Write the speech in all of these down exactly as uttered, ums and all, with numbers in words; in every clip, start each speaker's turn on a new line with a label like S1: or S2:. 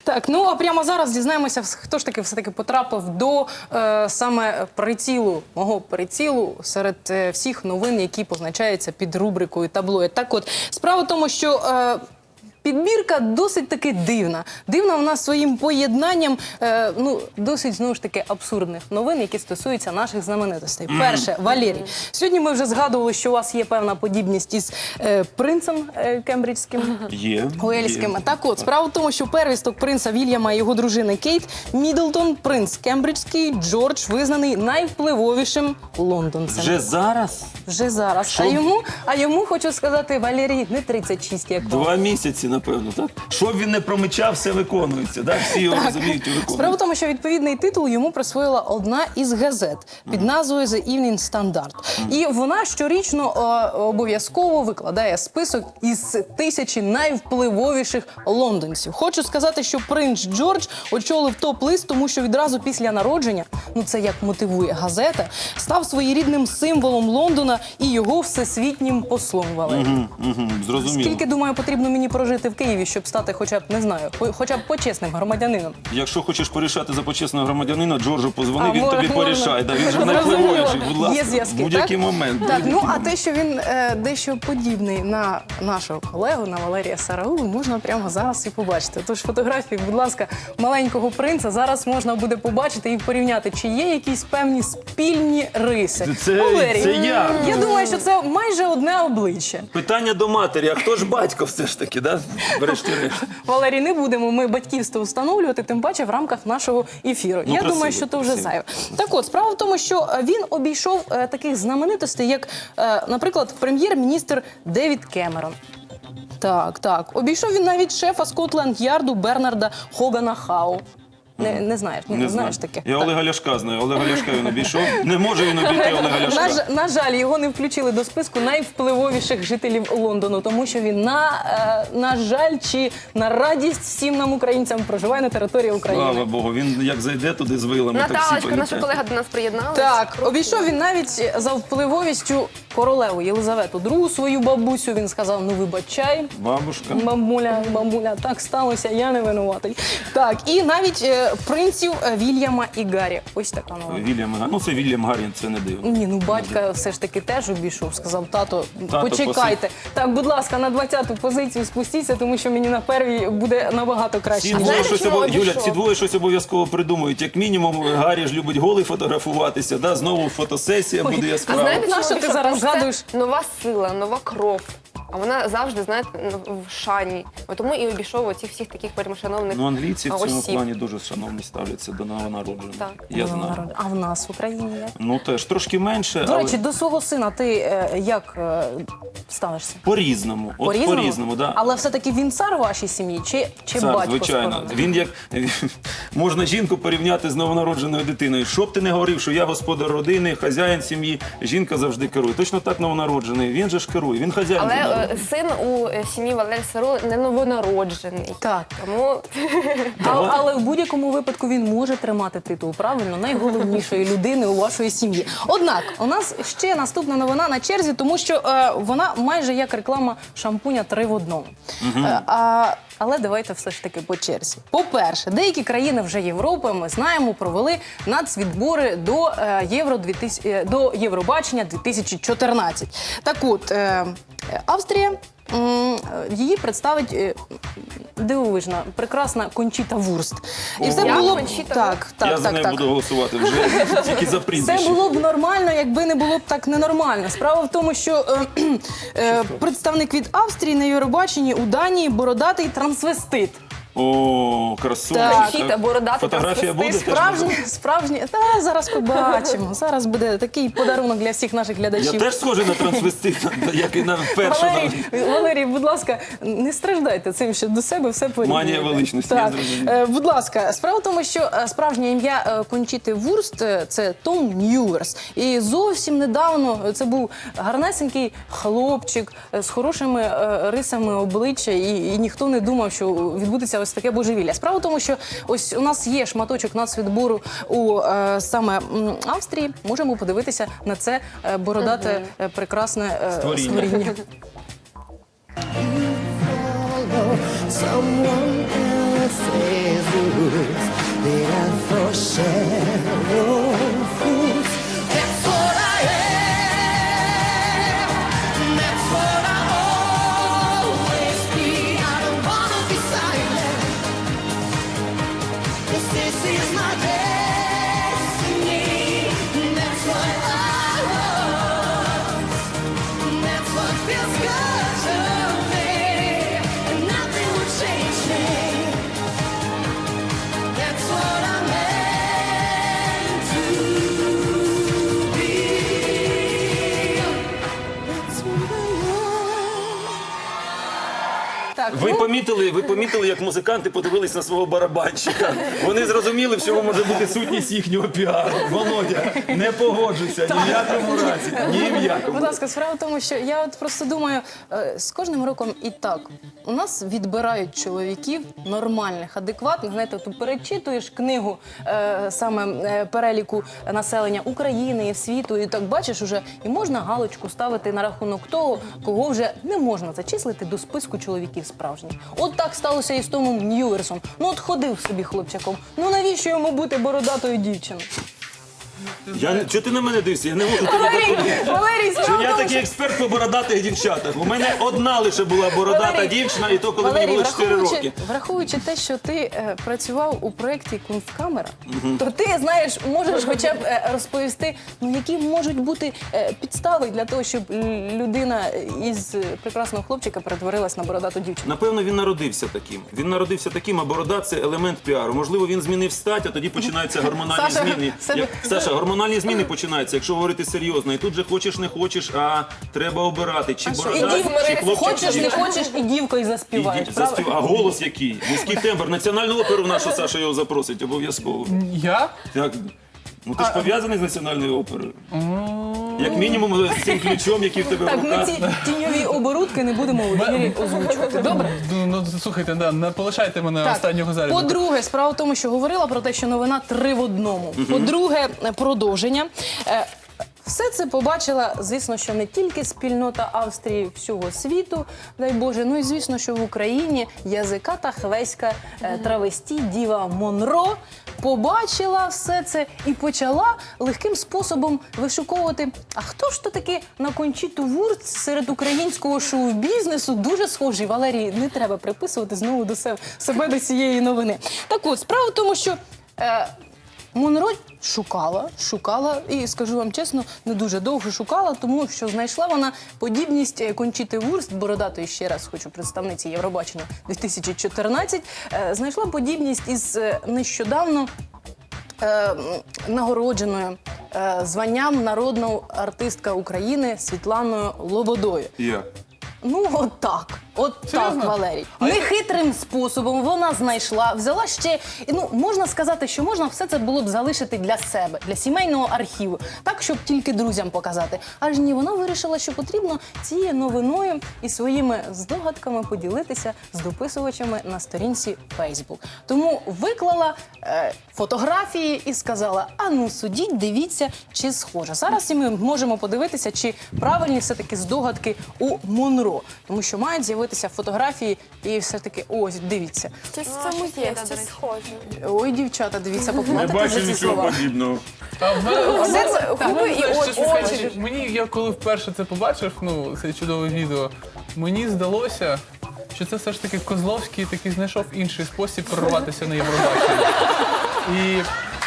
S1: Так, ну а прямо зараз дізнаємося, хто ж таки все-таки потрапив до е, саме прицілу, мого прицілу серед е, всіх новин, які позначаються під рубрикою таблоїд. Так от, справа в тому, що е, підбірка досить таки дивна. Дивна вона своїм поєднанням, е, ну, досить, знову ж таки, абсурдних новин, які стосуються наших знаменитостей. Перше, Валерій. Сьогодні ми вже згадували, що у вас є певна подібність із е, принцем е, кембриджським,
S2: Є.
S1: Уельським.
S2: Є.
S1: Так от, справа в тому, що первісток принца Вільяма і його дружини Кейт Міддлтон, принц кембриджський, Джордж, визнаний найвпливовішим лондонцем.
S2: Вже зараз?
S1: Вже зараз.
S2: Що?
S1: А йому, а йому, хочу сказати, Валерій, не тридцять шість, як вам.
S2: Два місяці, напевно, так? Що б він не промичав, все виконується, так? Всі його розуміють і виконують.
S1: Справа в тому, що відповідний титул йому присвоїла одна із газет під назвою The Evening Standard. І вона щорічно е, обов'язково викладає список із тисячі найвпливовіших лондонців. Хочу сказати, що принц Джордж очолив топ-лист, тому що відразу після народження, ну це як мотивує газета, став своєрідним символом Лондона і його всесвітнім послом, Валерій.
S2: Угу, угу, зрозуміло.
S1: Скільки, думаю, потрібно мені прожити в Києві, щоб стати хоча б, не знаю, по- хоча б почесним громадянином?
S2: Якщо хочеш порішати за почесного громадянина, Джорджу позвони,
S1: А,
S2: він
S1: можна,
S2: тобі порішає. Да, він же
S1: Зрозуміло.
S2: найвпливовіший, будь ласка.
S1: Є зв'язки,
S2: будь-який
S1: так?
S2: момент.
S1: Так,
S2: будь-який
S1: ну а
S2: момент.
S1: те, що він е, дещо подібний на нашого колегу, на Валерія Сараулу, можна прямо зараз і побачити. Тож фотографії, будь ласка, маленького принца зараз можна буде побачити і порівняти, чи є якісь певні спільні риси.
S2: Це-
S1: Валерій,
S2: це я.
S1: Я думаю, що це майже одне обличчя.
S2: Питання до матері, а хто ж батько все ж таки, да? Врешті-решт.
S1: Валерій, не будемо ми батьківство встановлювати, тим паче в рамках нашого ефіру.
S2: Ну,
S1: Я
S2: красиво,
S1: думаю, що це вже
S2: красиво.
S1: зайве. Так от, справа в тому, що е, він обійшов е, таких знаменитостей, як, е, наприклад, прем'єр-міністр Девід Кемерон. Так, так. Обійшов він навіть шефа Скотланд-Ярду Бернарда Хогана Хау. Не, не знаєш, не,
S2: Не
S1: знаєш
S2: знаю.
S1: таке.
S2: Я
S1: Так.
S2: Олега Ляшка знаю. Олега Ляшка він обійшов. Не може він обійти Олега
S1: На,
S2: Ляшка.
S1: ж- на жаль, його не включили до списку найвпливовіших жителів Лондону, тому що він, на, е, на жаль, чи на радість всім нам, українцям, проживає на території України.
S2: Слава Богу, він як зайде туди з вилами, так всі
S3: Наталочка, наша
S2: полетять.
S3: колега до нас приєдналася.
S1: Так, обійшов він навіть за впливовістю королеву Єлизавету другу, свою бабусю. Він сказав, ну вибачай,
S2: Бабушка.
S1: бабуля, бабуля, так сталося, я не винуватий. Так, і навіть е, принців е, Вільяма і Гаррі. Ось така новина.
S2: Вільям Гаррін. Ну, це Вільям Гаррін, це не дивно.
S1: Ні, ну батька все ж таки теж обійшов, сказав, тато,
S2: Тато,
S1: почекайте. Так, будь ласка, на двадцяту позицію спустіться, тому що мені на первій буде набагато краще.
S2: Ці
S3: А
S2: двоє,
S3: знаєте,
S2: щось
S3: чому
S2: обов... Юля,
S3: обійшов?
S2: ці двоє щось обов'язково придумають. Як мінімум, Гаррі ж любить голий фотографуватися, да? Знову фотосесія
S1: Ой,
S2: буде
S3: А
S2: яскрава.
S3: знаєте,
S1: На
S3: чому
S1: що ти
S3: обійшов?
S1: зараз
S3: Тому що
S1: згадуєш?
S3: це нова сила, нова кров. А вона завжди, знаєте, в шані. От тому і обійшов оцих всіх таких перемшановних
S2: Ну, англійці в цьому
S3: осіб.
S2: плані дуже шановні ставляться до новонароджених.
S3: Так.
S2: Я
S1: Ну,
S2: знаю.
S1: народ. А в нас в Україні як?
S2: Ну, теж трошки менше,
S1: До
S2: але
S1: речі, до свого сина ти е, як е, ставишся?
S2: по-різному. От
S1: По-різному?
S2: по-різному, да.
S1: Але все-таки він цар у вашій сім'ї чи, чи
S2: Цар,
S1: батько?
S2: звичайно.
S1: скоро?
S2: Він як можна жінку порівняти з новонародженою дитиною. Що б ти не говорив, що я господар родини, хазяїн сім'ї, жінка завжди керує. Точно так новонароджений. Він же ж керує. Він хазяїн.
S3: Але
S2: дома.
S3: е, син у е, сім'ї Валерія Сараулу не новонароджений.
S1: Так.
S3: Тому
S1: А, але в будь-якому випадку він може тримати титул, правильно, найголовнішої людини у вашої сім'ї. Однак, у нас ще наступна новина на черзі, тому що е, вона майже як реклама шампуня три в одному. Е, а, але давайте все ж таки по черзі. По-перше, деякі країни вже Європи, ми знаємо, провели нацвідбори до, е, Євро дві тисячі, е, до Євробачення дві тисячі чотирнадцять. Так от, е, Австрія, м, її представить е, дивовижна, прекрасна Кончіта Вурст. І все
S3: Як
S1: було б-
S3: Кончіта
S1: так, так,
S2: я за
S1: так,
S2: нею
S1: так.
S2: буду голосувати вже тільки за
S1: Це
S2: прізвище.
S1: було б нормально, якби не було б так ненормально. Справа в тому, що е, е, представник від Австрії на Євробаченні у Данії бородатий трансвестит.
S2: О, красуня.
S1: Так.
S3: Кончіта, бородатий
S2: Фотографія буде?
S3: трансвестит.
S2: Теж буде?
S1: Справжні, справжні. Та зараз побачимо. Зараз буде такий подарунок для всіх наших
S2: Я
S1: глядачів.
S2: теж схожий на трансвестита, як і на першу.
S1: Валерій, Валерій, будь ласка, не страждайте цим, що до себе все порівнюєте.
S2: Манія величності, я
S1: Так.
S2: зрозумів.
S1: Е, будь ласка, справа в тому, що е, справжнє ім'я е, Кончіти Вурст е, – це Том Ньюверс. І зовсім недавно це був гарнесенький хлопчик е, з хорошими е, рисами обличчя, і, і ніхто не думав, що відбудеться ось таке божевілля. Справа в тому, що ось у нас є шматочок нацвідбору у е, саме м, Австрії. Можемо подивитися на це е, бородате, е, прекрасне е,
S2: Створіння.
S1: створіння.
S4: Someone else's is my destiny. That's what I want. That's what feels good to me. And nothing will change me. That's what I'm meant to be. That's what I want.
S1: Так,
S2: Ви
S1: ну,
S2: помітили, ви помітили, як музиканти подивились на свого барабанщика. Вони зрозуміли, в чому може бути сутність їхнього піару. Володя, не погоджуйся ні в якому разі, ні в якому.
S1: будь ласка, справа в тому, що я от просто думаю, е, з кожним роком і так. У нас відбирають чоловіків нормальних, адекватних. Знаєте, ти перечитуєш книгу е, саме е, переліку населення України і світу, і так бачиш уже, і можна галочку ставити на рахунок того, кого вже не можна зачислити до списку чоловіків справжніх. От так сталося і з Томом Ньюерсом. Ну от ходив собі хлопчаком. Ну навіщо йому бути бородатою дівчиною?
S2: Я, не- чого ти на мене дивишся? Я не можу тобі
S1: Валерій,
S2: допомогти.
S1: Валерій,
S2: Що
S1: справа в
S2: я
S1: тому,
S2: такий експерт по бородатих дівчатах. У мене одна лише була бородата
S1: Валерій,
S2: дівчина, і то, коли
S1: Валерій,
S2: мені було чотири
S1: враховуючи-
S2: роки.
S1: Враховуючи те, що ти е, працював у проєкті «Кунсткамера», то ти, знаєш, можеш хоча б е, розповісти, ну, які можуть бути е, підстави для того, щоб л- людина із е, прекрасного хлопчика перетворилась на бородату дівчину.
S2: Напевно, він народився таким. Він народився таким, а борода це елемент піару. Можливо, він змінив стать, а тоді починаються гормональні
S1: Саша,
S2: зміни.
S1: себе-
S2: Як- Саша, гормональні зміни починаються, якщо говорити серйозно. І тут же хочеш, не хочеш, а треба обирати, чи
S1: А що,
S2: борода,
S1: і дів-
S2: чи хлопчик,
S1: хочеш,
S2: чи
S1: не
S2: дівчина.
S1: хочеш, і дівкою заспіваєш,
S2: І ді-
S1: правда?
S2: заспів- А голос який? Низький тембр. Національну оперу в нашу Саша його запросить обов'язково.
S5: Я?
S2: Так. Ну ти ж пов'язаний з національною оперою. Як мінімум з цим ключом, який в тебе в
S1: Так, ми
S2: руках.
S1: ці тіньові оборудки не будемо в ефірі озвучувати. Добре?
S5: Ну, ну слухайте, да, не полишайте мене останнього заряду.
S1: По-друге, справа в тому, що говорила про те, що новина три в одному. По-друге, продовження. Е, Все це побачила, звісно, що не тільки спільнота Австрії, всього світу, дай Боже, ну і звісно, що в Україні язиката хвеська е, травесті Діва Монро побачила все це і почала легким способом вишуковувати, а хто ж то таки на Кончіту Вурст серед українського шоу-бізнесу дуже схожий. Валерій, не треба приписувати знову до себе, себе до цієї новини. Так от, справа в тому, що е, Монро шукала, шукала, і скажу вам чесно, не дуже довго шукала, тому що знайшла вона подібність е, Кончіти Вурст, бородатої, ще раз хочу, представниці Євробачення дві тисячі чотирнадцять, е, знайшла подібність із е, нещодавно е, м, нагородженою е, званням народна артистка України Світланою Лободою.
S2: Як?
S1: Ну, от так. От
S5: Серйозно?
S1: так, Валерій.
S5: А я-
S1: Нехитрим способом вона знайшла, взяла ще, і, ну, можна сказати, що можна все це було б залишити для себе, для сімейного архіву, так, щоб тільки друзям показати. Аж ні, вона вирішила, що потрібно цією новиною і своїми здогадками поділитися з дописувачами на сторінці Facebook. Тому виклала е, фотографії і сказала, а ну, судіть, дивіться, чи схоже. Зараз і ми можемо подивитися, чи правильні все-таки здогадки у Монро. Тому що мають з'явитися фотографії і все-таки, ось, дивіться.
S3: Щось в цьому є, щось схоже.
S1: Ой, дівчата, дивіться,
S2: Не
S1: поплатите
S2: бачу
S1: за ці
S2: нічого
S1: слова.
S2: подібного.
S5: А в мене-
S3: Все це
S5: Ну,
S3: губи і
S5: знаєш,
S3: очі.
S5: чесно кажучи, мені, я коли вперше це побачив, ну, це чудове відео, мені здалося, що це все ж таки Козловський такий знайшов інший спосіб прорватися на Євробачення. І,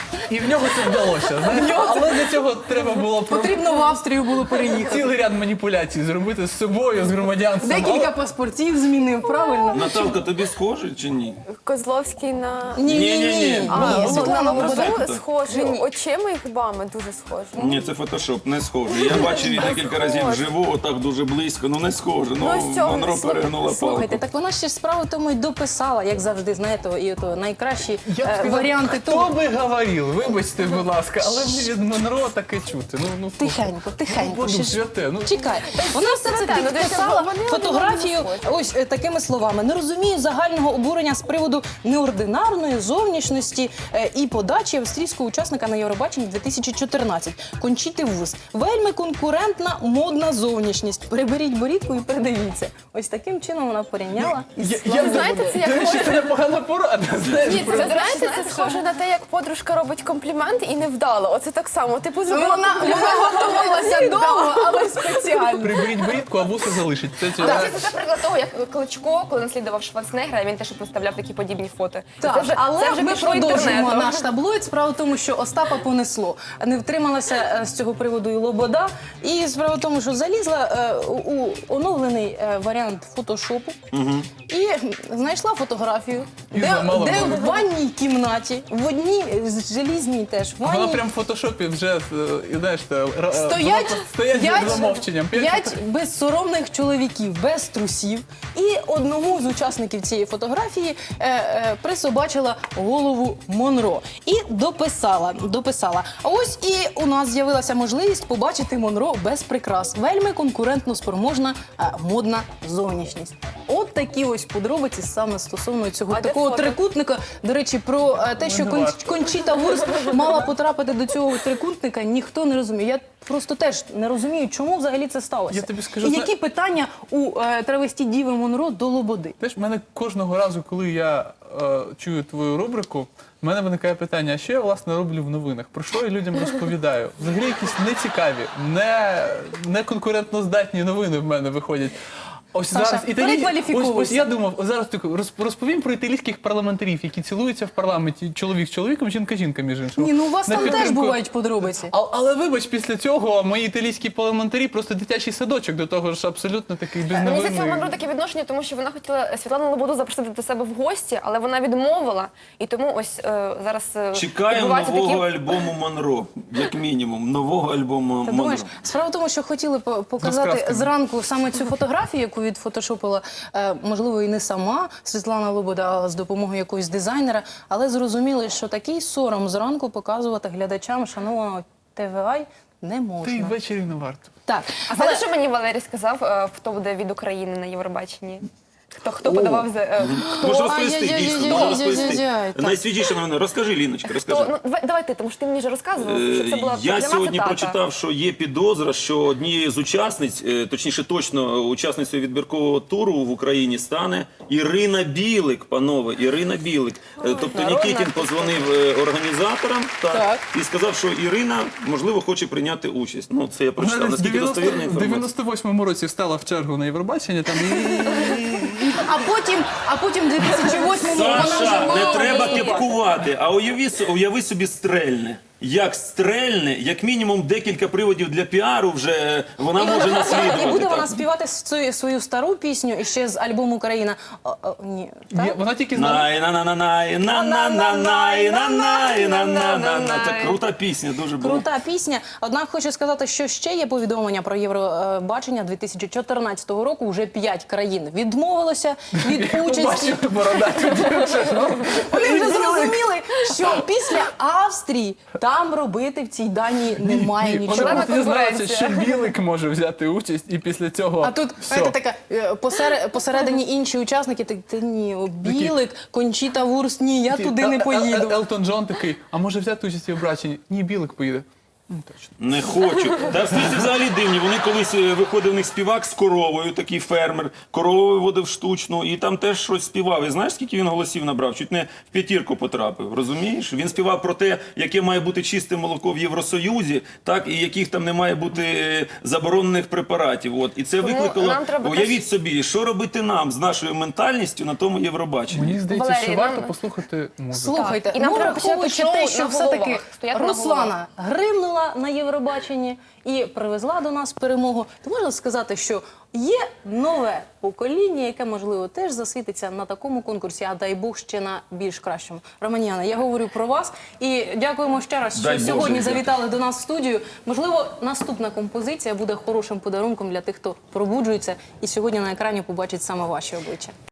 S5: і в нього це вдалося, знаєте, але для цього треба було про-
S1: Потрібно в Австрію було переїхати.
S5: цілий ряд маніпуляцій зробити з собою, з громадянством.
S1: Декілька паспортів змінив, правильно?
S2: Наталка, тобі схоже чи ні?
S3: Козловський на...
S1: Ні-ні-ні.
S2: Ні-ні-ні.
S3: А,
S1: Ні, Світлана
S3: ну,
S1: Лобода.
S3: ну, схожий, очима і губами дуже схожий.
S2: Ні, це фотошоп, не схоже. Я бачив її декілька разів вживу, отак дуже близько, ну не схоже. Ну,
S3: Ну, з цього-
S2: Монро перегнула
S1: Слухайте,
S2: палку.
S1: так вона ще ж справу тому й дописала, як завжди, знаєте, і то найкращі
S5: Я б
S1: е,
S5: сказав,
S1: варіанти
S5: хто
S1: того.
S5: би говорив, вибачте, будь ласка, але мені від Монро таке чути. Ну, ну,
S1: Тихенько, тихенько.
S5: Боже
S1: ще ж-
S5: святе, ну.
S1: Чекай, вона все це
S3: святе, ну, дивіться,
S1: підписала
S3: вони один
S1: фотографію
S3: одного схожі.
S1: ось е, такими словами. Не розумію загального обурення з приводу неординарної зовнішності е, і подачі австрійського учасника на Євробаченні дві тисячі чотирнадцять. Кончіти Вурст. Вельми конкурентна, модна зовнішність. Приберіть борідку і передивіться. Ось таким чином вона порівняла із
S5: Я-
S1: Світланою
S5: я-
S3: Знаєте, це
S5: До
S3: як
S5: речі, це непогана порада. Знаєш,
S3: Ні,
S5: про-
S3: це знаєте, це схоже на те, як подружка робить комплімент і не вдало. Оце так само. Типу, зробила
S1: Вона,
S3: комплімент.
S1: вона готувалася довго, але спеціально.
S5: Приберіть борідку, а вуса залишить. Це, це,
S3: Так, це, це приклад того, як Кличко, коли наслідував Шварценеггера, він теж виставляв такі подібні фото.
S1: Так,
S3: це вже,
S1: але
S3: це вже
S1: ми
S3: пішло
S1: продовжуємо
S3: інтернетом.
S1: наш таблоїд. Справа в тому, що Остапа понесло. Не втрималася е, з цього приводу і Лобода. І справа в тому, що залізла е, у у оновлений е, варіант фотошопу і знайшла фотографію,
S5: І
S1: де,
S5: зламала
S1: де
S5: мову.
S1: в ванній кімнаті, в одній е, желізній теж ванні.
S5: Вона прям в фотошопі вже, е, знаєш, та, р- е,
S1: Стоять,
S5: вона стоять
S1: п'ять,
S5: за замовченням.
S1: п'ять безсоромних чоловіків, без трусів. І одному з учасників цієї фотографії е, е, присобачила голову Монро. І дописала, дописала. А ось і у нас з'явилася можливість побачити Монро без прикрас. Вельми конкурентно спроможна е, модна зовнішність. От такі ось подробиці саме стосовно цього
S3: А де
S1: такого
S3: фото?
S1: трикутника. До речі, про е, те, що
S5: не
S1: Кон-
S5: варто.
S1: Кончіта Вурст мала потрапити до цього трикутника, ніхто не розуміє. Я просто теж не розумію, чому взагалі це сталося.
S5: Я тобі скажу,
S1: І
S5: зна-
S1: які питання у е, травесті Діви Монро до Лободи?
S5: Знаєш, в мене кожного разу, коли я е, чую твою рубрику, в мене виникає питання, а що я, власне, роблю в новинах? Про що я людям розповідаю? Взагалі якісь нецікаві, не, не конкурентноздатні новини в мене виходять. Ось
S1: Саша,
S5: зараз італій...
S1: перекваліфіковуйся.
S5: ось, ось я думав, ось зараз таку роз- розповім про італійських парламентарів, які цілуються в парламенті чоловік з чоловіком, жінка з жінкою, між іншим.
S1: Ні, ну у вас
S5: На
S1: там теж
S5: підтримку.
S1: бувають подробиці.
S5: А, але вибач, після цього мої італійські парламентарі просто дитячий садочок, до того ж абсолютно такий
S3: Мені здається, у
S5: безновинний.
S3: Монро таке відношення, тому що вона хотіла Світлану Лободу запросити до себе в гості, але вона відмовила. І тому ось е, зараз е,
S2: Чекаємо
S3: відбуваються
S2: нового
S3: такі...
S2: альбому Монро, як мінімум. Нового альбому
S1: Ти
S2: Монро.
S1: думаєш, справа в тому, що хотіли по- показати
S5: Розкрасками.
S1: зранку саме цю фотографію, яку відфотошопила, е, можливо, і не сама Світлана Лобода, а з допомогою якогось дизайнера, але зрозуміли, що такий сором зранку показувати глядачам шанованого ті ві ай не
S5: Та й
S1: можна.
S5: ввечері не варто.
S1: Так,
S3: А знаєте, що мені Валерій сказав, е, хто буде від України на Євробаченні? Хто, хто подавав за... е, хто?
S2: Може розповісти,
S1: Ай-яй-яй-яй-яй-яй-яй-яй.
S2: дійсно, може розповісти.
S1: Так.
S2: Найсвіжіше новина. Розкажи, Ліночка, розкажи.
S3: Хто? Ну, давай, давай ти, тому що ти мені вже розказував, що це була
S2: Е, Я
S3: пряма
S2: сьогодні
S3: цитата.
S2: прочитав, що є підозра, що однією з учасниць, е, точніше точно учасницею відбіркового туру в Україні стане Ірина Білик, панове, Ірина Білик. Е, Тобто
S3: народна
S2: Нікітін позвонив е, організаторам так,
S1: Так.
S2: і сказав, що Ірина, можливо, хоче прийняти участь. Ну, це я прочитав.
S5: Вона в
S2: Наскільки достовірна
S5: в
S2: інформація?
S5: дев'яносто восьмому році встала в чергу на Євробачення, там і
S1: А потім, а потім в дві тисячі восьмому вона вже
S2: Саша, не
S1: мала
S2: треба
S1: її.
S2: кепкувати, а уяви, с- уяви собі стрельне. Як стрельне, як мінімум декілька приводів для піару вже вона може наслідувати.
S1: І буде
S2: так.
S1: вона співати свою, свою стару пісню і ще з альбому Україна. О, о, ні,
S5: Є-
S1: так?
S5: вона тільки знала.
S2: Най на на на най на на на най на най на на на на Це крута пісня, дуже була.
S1: Крута пісня. Однак хочу сказати, що ще є повідомлення про Євробачення дві тисячі чотирнадцятого року. Вже п'ять країн відмовилося від участі.
S5: Бачив бородату дівчину.
S1: Вони вже зрозуміли, що після Австрії там робити в цій Данії немає
S5: Ні,
S1: нічого.
S5: Вона
S3: Вона
S5: дізналася,
S3: конкуренція.
S5: що Білик може взяти участь, і після цього
S1: А тут
S5: все.
S1: знаєте, така е, посер- посередині інші учасники. Так, та ні, о, Білик, Кончіта Вурст, ні, я туди не
S5: Ел- Ел-
S1: поїду.
S5: Елтон Джон такий, а може взяти участь у Євробаченні? Ні, Білик поїде. Ну, точно.
S2: Не хочу. Та австрійці взагалі дивні. Вони колись е, виходив в них співак з коровою, такий фермер. Корову виводив штучну, і там теж щось співав. І знаєш, скільки він голосів набрав? Чуть не в п'ятірку потрапив. Розумієш? Він співав про те, яке має бути чисте молоко в Євросоюзі, так і яких там не має бути е, заборонених препаратів. От і це
S3: Тому
S2: викликало.
S3: нам треба
S2: Уявіть
S3: теж-
S2: собі, що робити нам з нашою ментальністю на тому Євробаченні.
S5: Мені здається,
S3: Валерій,
S5: що
S3: нам-
S5: варто послухати музику.
S1: Слухайте,
S3: Так, і нам
S1: ну
S3: треба
S1: враховуючи
S3: почати
S1: те,
S3: шоу
S1: що
S3: на
S1: все-таки
S3: головах, стояти на
S1: Руслана гримнула на Євробаченні і привезла до нас перемогу, то можна сказати, що є нове покоління, яке, можливо, теж засвітиться на такому конкурсі, а дай Бог ще на більш кращому. Романіана, я говорю про вас і дякуємо ще раз, що
S2: Дай Боже,
S1: сьогодні
S2: дякую.
S1: завітали до нас в студію. Можливо, наступна композиція буде хорошим подарунком для тих, хто пробуджується і сьогодні на екрані побачить саме ваші обличчя.